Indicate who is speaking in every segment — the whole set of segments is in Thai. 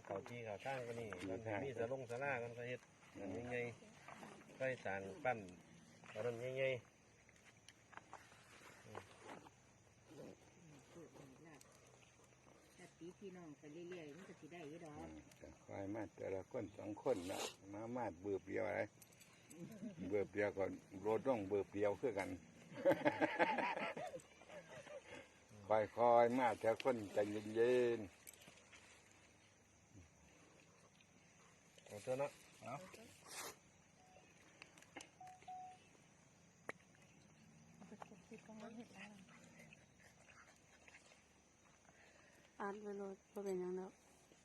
Speaker 1: เขาที่เขาตั้งก็นี่มันมีสะลงสะล่ากันก็เฮ็ดอันใหญ่ๆใส่สางปั้นอันนั้นใหญ่
Speaker 2: ตีพี่น้องไปเรื่อยๆมันก็สิได้ยี่ดอก
Speaker 3: คอยมาแต่ละคนสองคนละมาเบื่อเดียวอะไรเบื่อเดียวก็โรดต้องเบื่อเดียวคือกันคอยมาแต่คนใจเย็น
Speaker 1: ๆเอาตัวเนาะ
Speaker 4: อ่านไปโลดบ่เป็นหยังดอก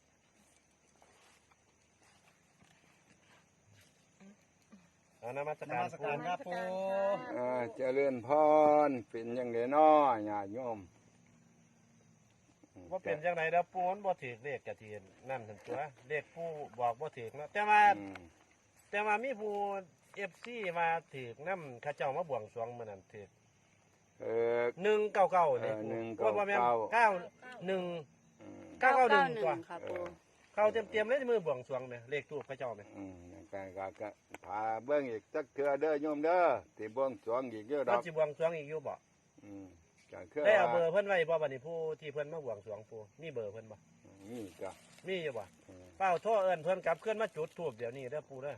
Speaker 1: นมัสการครับปู
Speaker 3: เจริญพรเป็นยังไงน้อญาติโยม
Speaker 1: ว่าเป็นยังไงแล้วปูนบ่ถือเลขกะทีนั่นถึงตัวเลขปูบอกบ่ถือเนาะแต่ว่ามีผู้FCมาถือน้ำข้าเจ้ามาบวงสรวงมื้อนั้นถือ199นี่ว่าแม่น91991ตัว
Speaker 4: ค่ะปู
Speaker 1: เขาเตรียมเลยมือบวงสรวงเนี่ยเลขตู้พระเจ้าเนี่ย
Speaker 3: ก็พาเบิ้งอีกสักเทื่อเด้อโยมเด้อที่บวงสรวงอีกเยอะดอก
Speaker 1: สิบวงสรวงอีกอยู่บ่
Speaker 3: ได้
Speaker 1: เอาเบอร์เพิ่นไว้บ่บัดนี้ผู้ที่เพิ่นมาบวงสรวงปูมีเบอร์เพิ่นบ่
Speaker 3: มีก็
Speaker 1: มีอยู่บ่เป้าโทรเอิ้นเพิ่นกลับเคลื่อนมาจุดธูปเดี๋ยวนี้เด้อปูเด้อ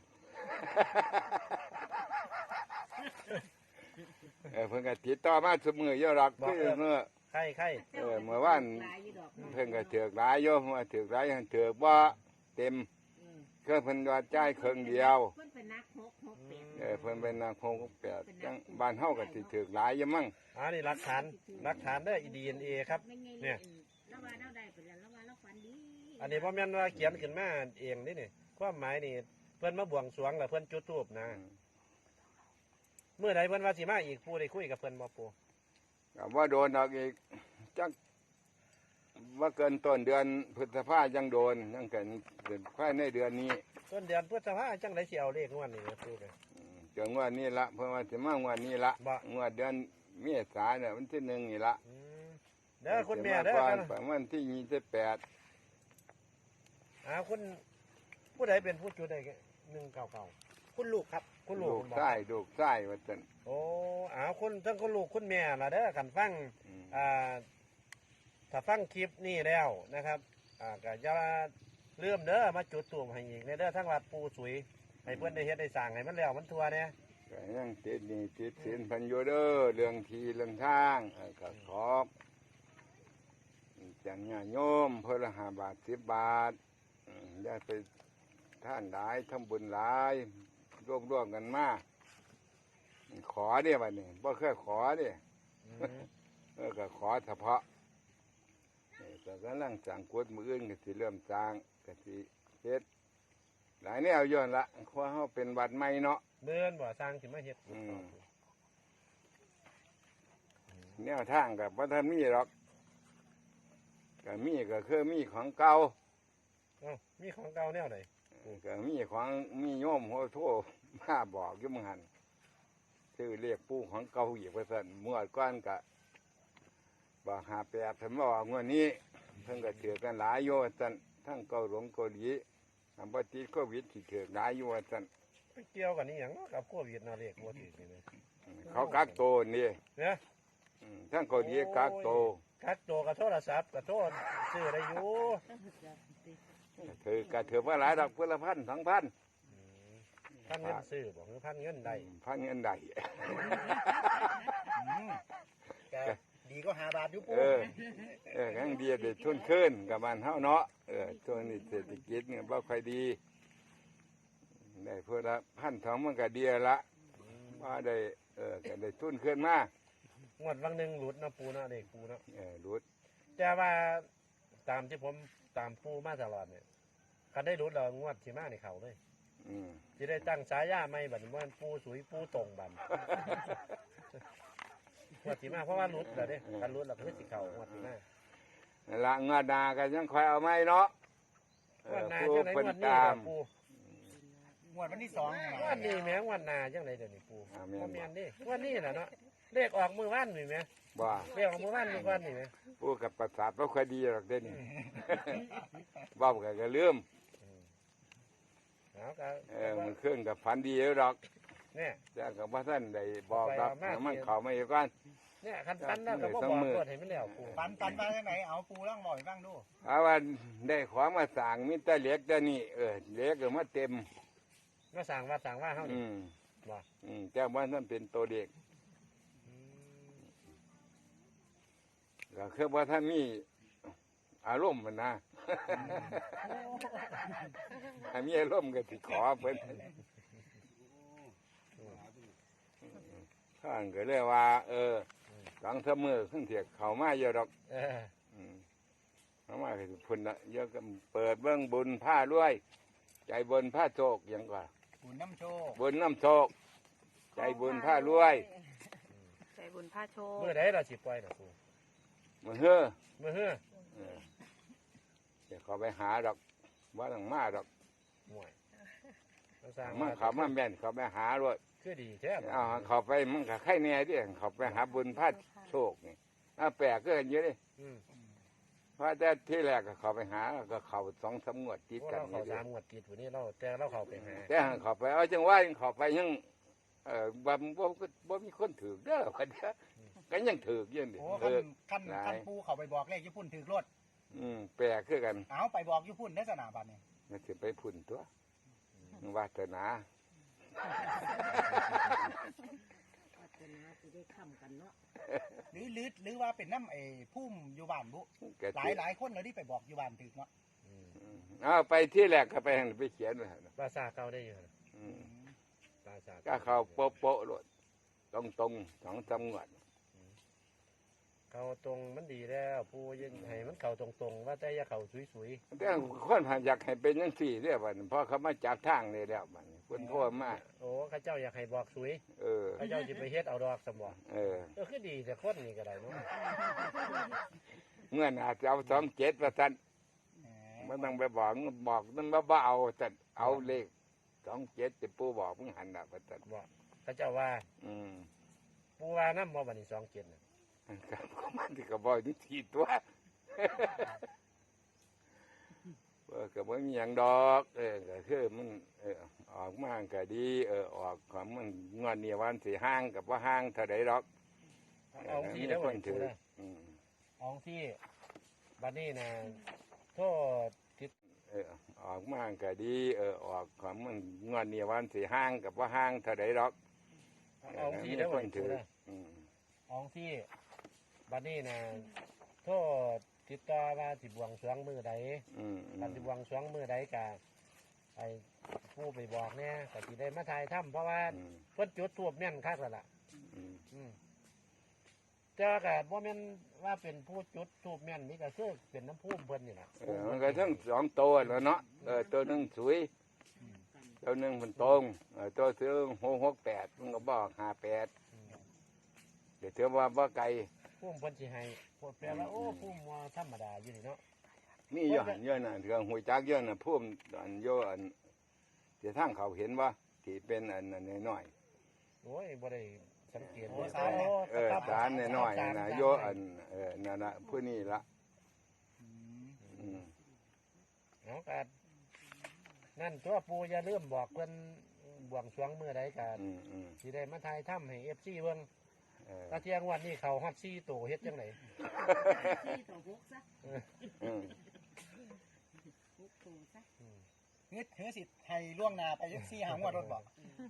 Speaker 3: เพิ่นก็ติดต่อมาซุมื้อเยอะดอกคือเมื่อ
Speaker 1: ใคร
Speaker 3: เมื่อวานเพิ่นก็ถือกหลายโยมว่าถือกหลายถือกบ่เต็มเครื่องเพิ่นว่าจ่ายเครื่องเดียว
Speaker 2: เพิ่นเป็นนัก668
Speaker 3: เพิ่นเป็นนัก668จังบ้านเฮาก็สิถือกหลายอยู่มั้ง
Speaker 1: นี่หลักฐานเด้อ DNA ครับเนี่ย
Speaker 2: แล้วว่าเราได้ไปแล้วว่าเราฝันดี
Speaker 1: อันนี้บ่แม่นว่าเขียนขึ้นมาเองนี่ความหมายนี่เพิ่นมาบวงสรวงแล้วเพิ่นจุดธูปนะเมื่อใดเพิ่นว่าสิมาอีกผู้ได้คุยกับเพิ่นบ่ปู่
Speaker 3: ว่าโดนออกอีกจักว่าเกินต้นเดือนพฤษภายังโดนยังเกินภายในเดือนนี้
Speaker 1: ต้นเดือนพฤษภาจังได๋สิเอาเลขงวดนี้นะปู่เลย
Speaker 3: จังงวดนี้ละเพิ่นว่าสิมางวดนี้ละงวดเดือนเมษายนเนี่ยวันที่1นี่ละ
Speaker 1: เด้อคุณแม่เด้อ
Speaker 3: ประมาณที่28
Speaker 1: คุณผู้ใดเป็นผู้จุดได้199คุณลูกครับคุณลูก
Speaker 3: ใช่ลูกใช่ว่าซั่น
Speaker 1: โอ้คุณทั้งคุณลูกคุณแม่ล่ะเด้อกันฟังถ้าฟังคลิปนี้แล้วนะครับก็จะเริ่มเด้อมาจุดตูมให้อีกในเด้อทั้งวัดปูสุยให้เพื่อนได้เฮ็ดได้สั่งให้มันแล้วมันทัวเนี่ย
Speaker 3: ก็ยังติดนี่ติดศีลพันโยเด้อเรื่องทีเรื่องทางก็ขอบจังญาโยมเพื่อละ5 บาท10 บาทได้ไปท่านหลายทำบุญหลายร่วมกันมาขอเด้บัดนี้บ่เคยขอเด้ก็ขอเฉพาะก็กำลังสร้างกุฏมื้ออื่นก็สิเริ่มสร้างก็สิเฮ็ดหลายแนวย้อนละเพราะเฮาเป็นวัดใหม่เนาะ
Speaker 1: เบิ่นบ่สร้างสิมาเฮ็ด
Speaker 3: แนวทางก็บ่ทันมีหรอกก็มีก็คือมีของเก่า
Speaker 1: มีของเก่าแนวใด
Speaker 3: ก็มีโยมโหโทมาบอกอยู่มื้อหั่นชื่อเรียกปู่ของเก่าอีกว่าซั่นเมื่อก่อนก็บ่58เพิ่นว่างวดนี้เพิ่นก็ถือกันหลายอยู่ว่าซั่นทั้งเกาหลงเกาหลีบ่ติดโควิดสิถือหลายอยู่ว่าซั่น
Speaker 1: ไปเกี่ยวกันนี่หยังกับโควิดน่ะเรียกบ่ถือนี่
Speaker 3: เขากักโตนี่
Speaker 1: นะ
Speaker 3: ทั้งเกาหลีกักโต
Speaker 1: กับโทรศัพท์กับโทรซื้อได้อยู่
Speaker 3: ถือว่าหลายดอกเพื่อละ1,000 2,000
Speaker 1: พันเงินซื้อบ่คือพันเงินใดดีก็5 บาทอยู่ปู่
Speaker 3: ยังดีได้ทุนขึ้นกับบ้านเฮาเนาะช่วงนี้เศรษฐกิจเนี่ยบ่ค่อยดีได้เพื่อละ1,000 2,000มันก็ดีละว่าได้ก็ได้ทุนขึ้นมาง
Speaker 1: วดวังนึงหลุดนะปู่เนาะเด็กปู่เนาะ
Speaker 3: หลุด
Speaker 1: แต่ว่าตามที่ผมตามปู่มาตลอดเนี่ยคันได้หลุดแล้วงวดสิมานี่เข้าเลยสิได้ตั้งฉายาใหม่บัดนี้ว่าปู่สุยปู่ตรงบัดงวดสิมาเพราะว่าหลุดแล้วเด้คันหลุดแล้วก็สิเข้างวดสิมา
Speaker 3: ละงวดหน้าก็ยังค่อยเอาใหม่เนาะ
Speaker 1: งวดหน้าจังได๋งวดนี้ปู่
Speaker 5: งวดวันที่สอง
Speaker 1: วันนี้แม่งวันหนาจังไรเดี๋ยวนี้ปู
Speaker 3: แม่นบ่
Speaker 1: บ่แม่นเดิวันนี้น่ะเนาะเลขออกมือวันนี่แม่
Speaker 3: บ่
Speaker 1: เลขออกมือวันนี่ก่อนนี่แม่
Speaker 3: ผู้กับประสาทบ่ค่อยดีหรอกเด้นี่ เว้าก็ลืม
Speaker 1: เอาก็
Speaker 3: มันเครื่องกับฝันดีแล้วดอก
Speaker 1: เนี่ย
Speaker 3: แต่ก็บ่ทันได้บอกดอก
Speaker 1: ไปเอามา
Speaker 3: มันเข้ามาอีกก่อน
Speaker 1: เนี่ยคันปันแล้วก็บ่
Speaker 3: ต้อง
Speaker 1: บอก
Speaker 3: มือ
Speaker 1: กดให้มันแล้วปู
Speaker 5: ปันมาจากไหนเอาปูร่างบ่อยบ้างดู
Speaker 3: เอาว่าได้ของมาสร้างมีแต่เหล็กแต่นี่เหล็กก็มาเต็ม
Speaker 1: มาสั่งว่าสั่งว่าเฮานี่ บ่
Speaker 3: แต่ว่านั่นเป็นตัวเด็กก็คือว่าถ้ามีอารมณ์มันนะ ถ้ามีอารมณ์ก็สิขอเพิ่นข้างก็เลยว่า หลังเสมอขึ้นเถียกเขามาเยอะดอก
Speaker 1: เออ
Speaker 3: เขามาคือพุ่นละเยอะก็เปิดเบื้องบุญผ้าด้วย ใจบนผ้าโชคอย่างกว่า
Speaker 5: บุญน้ำโชค
Speaker 3: บนน้ำโชค ใจบุญผ้ารวย
Speaker 4: ใจบุญพระโชค
Speaker 1: มื้อใดเราสิปล่อยน่ะปู
Speaker 3: มือเฮ้อ
Speaker 1: มื้อเฮ้อ
Speaker 3: เดี๋ยวเขาไปหาดอกว่าต้องมาดอก
Speaker 1: ห่วยเราสั่ง
Speaker 3: มันเขามาแม่นเขาไปหาด้วย
Speaker 1: คือดีแท้บ่
Speaker 3: เอาเขาไปมันก็ไข่แน่ดิเขาไปหาบุญผ้าโชคนี่แปลกก็เยอะเลย
Speaker 1: อืม
Speaker 3: เพราะแต่ที่แรกก็เขาไปหาก็เขา2-3 งวดติด
Speaker 1: โอ้
Speaker 3: กัน
Speaker 1: เรา
Speaker 3: นี่
Speaker 1: เข้า
Speaker 3: ดิ
Speaker 1: สามงวดติดผู้นี้เราแต่เราเข้าไปหา
Speaker 3: แต่เขาไปเอาจังว่าเขาไปยังบ่มีคนถือเด้อวันเด้อก็ยังถือยังดิ
Speaker 5: โอ้
Speaker 3: ถือ
Speaker 5: คันปูเขาไปบอกเลขญี่ปุ่นถือรถ
Speaker 3: แปลกคือกัน
Speaker 5: เอาไปบอกญี่ปุ่นได้สนามบัตรเนี่ย
Speaker 3: มันสิไปพุ่นตัววาสนา
Speaker 2: วัฒนาสิได้ค้ำกันเนาะ
Speaker 5: หรือว่าเป็นน้ำพุ่มอยู่บ้านบุ
Speaker 3: ก็
Speaker 5: หลายคนเลยที่ไปบอกอยู่บ้านถือเนาะ
Speaker 3: เอาไปที่แรกก็ไปไปเขียนไว้
Speaker 1: ภาษาเก่าได้อยู่นะ
Speaker 3: อืม
Speaker 1: ภาษา
Speaker 3: ก็เขาโป๊ะๆโลดตรง2-3 งวด
Speaker 1: เข้าตรงมันดีแล้วปูยังให้มันเข้าตรงๆว่าแต่อย่าเข้าสวย
Speaker 3: แต่คนผ่านอยากให้เป็นจังซี่เด้อบัดนี้เพราะเขามาจับทางนี่แล้วบัดนี้เพิ่นโทรมา
Speaker 1: ๆโอ้ข้าเจ้าอยากให้บอกสวย
Speaker 3: เออ
Speaker 1: ข้าเจ้าสิไปเฮ็ดเอาดอกสมบ่ คือดีแต่คนนี่ก็ได้เนาะ
Speaker 3: เมื่อน่าจะเอา27ว่าซั่นมันต้องไปบอกมันบ่เอาซั่นเอาเลข27ที่ปู่บอกมึงหันน่ะว่าซั่น
Speaker 1: บ่ข้าเจ้าว่า
Speaker 3: อืม
Speaker 1: ปูว่านำบ่บัดนี้27น่ะ
Speaker 3: ครับก็มันที่ก็บอกนี่ทีตัว ก็บ่มีหยังดอกก็คือมันออกมาก็ดีออกของมันงอนนี่วันสิห่างกับบ่ห่างเท่าใดดอก
Speaker 1: เอาที่แล้ว
Speaker 3: ค
Speaker 1: บ่
Speaker 3: น
Speaker 1: ถื
Speaker 3: ถื
Speaker 1: อ
Speaker 3: ออืม
Speaker 1: เอาที่บัดนี้น่ะโทษติด
Speaker 3: ออกมาก็ดีออกของมันงอนนี่วันสิห่างกับบ่ห่างเท่าใดดอก
Speaker 1: เอาที่แล้ว
Speaker 3: ค
Speaker 1: บ่
Speaker 3: น
Speaker 1: ถื
Speaker 3: ถื
Speaker 1: อ
Speaker 3: ออืม
Speaker 1: เอาที่บัดนี้น่ะโทษติดต่อว่าสิบวงสรวงมือใด
Speaker 3: อืม
Speaker 1: การสิบวงสรวงมือใดกะไอ้ผู้ไปบอกเนี่ยก็สิได้มาถ่ายถ้ำเพราะว่า
Speaker 3: อืม
Speaker 1: เพิ่นจุดทูบแม่นคักแล้วล่ะ
Speaker 3: อืม
Speaker 1: แต่ว่าก็บ่แม่นว่าเป็นผู้จุดทูบแม่นนี่ก็คือเป็นน้ำพุ่มเพิ่นนี่ล่ะ
Speaker 3: มันก็ทั้ง2ตัวแล้วเนาะตัวหนึงสวยตัวหนึงมันตรงตัวซื้อ668มันก็บอก58เดี๋ยวเธอว่าบ่ไกล
Speaker 1: พุ่มเพิ่นสิให้พวกแปลว่าโอ้พุ่มว่าธรรมดาอยู่นี่เนาะ
Speaker 3: มีเยอะหันเยอะน่ะเรื่องหัวจักเยอะน่ะพุ่มอันโยอันเดี๋ยวทางเขาเห็นว่าที่เป็นอันนั้นน้อย
Speaker 1: โอ้ยบ่ได้สังเกต
Speaker 3: ๆสารน้อยๆน่ะโยอันนั่นน่ะผู้นี้ละอืม
Speaker 1: เนาะก็นั่นตัวปู่อย่าลืมบอกเพิ่นบวงสรวงมื้อใดก็
Speaker 3: อืม
Speaker 1: สิได้มาถ่ายถ้ำให้ FC เบิ่ง
Speaker 3: เออ
Speaker 1: ตาเที่ยงวันนี้เขาฮอด4ตัวเฮ็ดจังได
Speaker 2: ที่ต่อหกซะ
Speaker 3: อืม
Speaker 2: หกตัวซะ
Speaker 5: เฮ้ยสิให้ล่วงหนาไปยักซี่หางวดรถบอก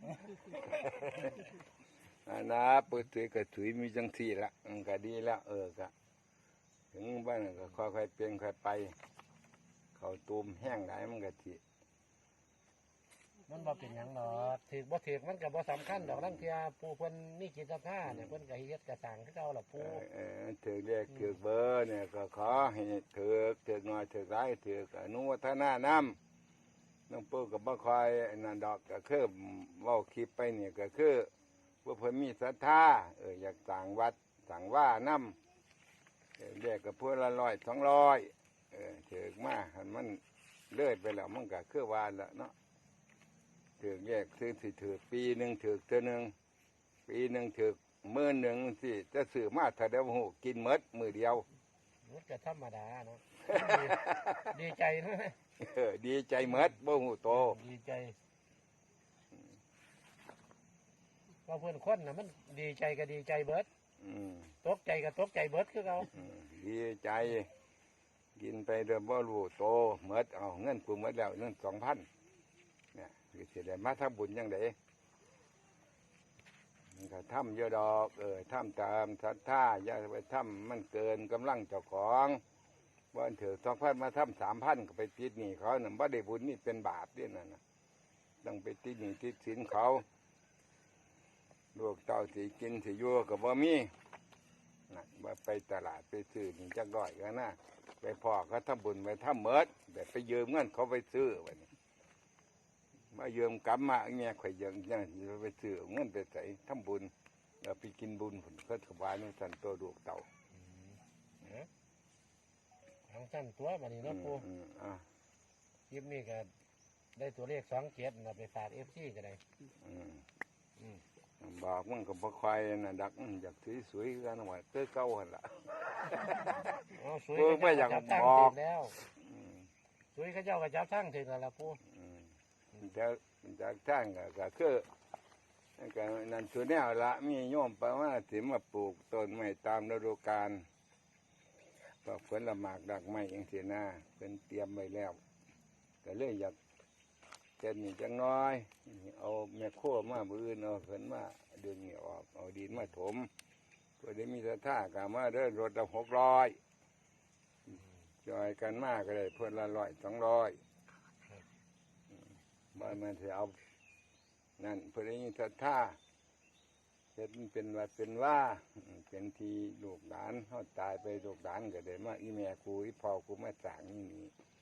Speaker 3: อันนะปื้ถือก็ถือมีจังซี่ละมันก็ดีแล้วก็ถึงบ้านก็ค่อยๆเปลี่ยนค่อยไป เขาตูมแห้งหลายมันก็สิ
Speaker 1: มันบ่เป็นหยังดอกถือบ่ถือมันก็บ่สำคัญดอกลังเที่ยผู้เพิ่นมีจิตศรัทธาเนี่ยเพิ่นก็เฮ็ดกระสร้างคือเก่าล่ะปู่
Speaker 3: ถือเรียกถือเบอร์เนี่ยก็ขอให้ถือน้อยถือหลายถืออนุวัฒนาน้องปู่ก็บ่คอยนั่นดอกก็คือเว้าคลิปไปเนี่ยก็คือว่าเพิ่นมีศรัทธาอยากสั่งวัดสั่งว่าน้ำเรียกกับพวกละ100-200ถือมาหันมันเลื่อยไปแล้วมันก็คือว่าแล้วเนาะถืถือแยกซื้อสิถือปีหนึ่งถือเท่านึงปีหนึ่งถือมื้อหนึ่งสิจะซื้อมาถ้าเดียวหูกินหมดมื้อเดียว
Speaker 1: มันก็ธรรมดาเนาะ ดีใจนะ
Speaker 3: ดีใจหมดบ่หูโต
Speaker 1: ดีใจว่าเพื่อนคนน่ะมันดีใจก็ดีใจเบิด
Speaker 3: อืม
Speaker 1: ตกใจก็ตกใจเบิดคือเขา
Speaker 3: ดีใจ กินไปเดิมบ่รู้โตหมดเอาเงินกูหมดแล้วเงิน2,000เนี่ยคือสิได้มาทำบุญยังไงมันก็ทำเยอะดอกทำตามศรัทธาอย่าไปทำมันเกินกำลังเจ้าของว่าถือ2,000มาทำ3,000ก็ไปติดหนี้เขาเนี่ยบ่ได้บุญนี่เป็นบาปด้วยนั่นน่ะต้องไปติดหนี้ติดสินเขาลูกเต้าสิกินสิอยู่กับบ่มีนะว่าไปตลาดไปซื้อนี่จักร้อยกันนะไปพ่อเขาทำบุญไปทำเมิดแต่ไปยืมเงินเขาไปซื้อวะนี่มายืมกำมาเงี้ยข่อยยังไปซื้อเงินไปใส่ทำบุญแล้วไปกินบุญผลเพื่อถวายในสันตัวลูกเต่า
Speaker 1: ทางสั้นตัวบัดนี้เนาะปู
Speaker 3: อ่ะ
Speaker 1: คลิปนี้ก็ได้ตัวเลข27นะไปฝาก FC ก็ได้
Speaker 3: อืมบอกมันก็บ่ค่อยน่ะดักอยากสวยๆกันว่าเต้อเก่าหั่นล่ะ
Speaker 1: เอาสวย
Speaker 3: เออไม่อยาก
Speaker 1: จับตั้ง
Speaker 3: บอก
Speaker 1: ถึงแล้ว
Speaker 3: อืม
Speaker 1: สวยเขาเจ้าก็จับตั้งถึงแล้วล่ะปู
Speaker 3: แต่จากทางก็คือก็นั่นตัวแนวละมีโยมไปว่าสิมาปลูกต้นไม้ตามฤดูกาลก็ผลละหมากดักไม้อย่างเสียหน้าเป็นเตรียมไว้แล้วก็เลยอยากเจ็ดนี่จังน้อยเอาแม่โคมาบืนเอาเพิ่นมาดึงนี่ออกเอาดินมาถมเพื่อได้มีสถากามาเดินรถละ600จอยกันมากก็ได้เพื่อนละ100-200บ้านมันจะเอานั่นเพื่อได้มีสถาเฮ็ดมันเป็นวัดเป็นว่าเป็นทีลูกหลานเขาตายไปลูกหลานก็ได้มาอีแม่กูอีพ่อกูมาสั่งนี่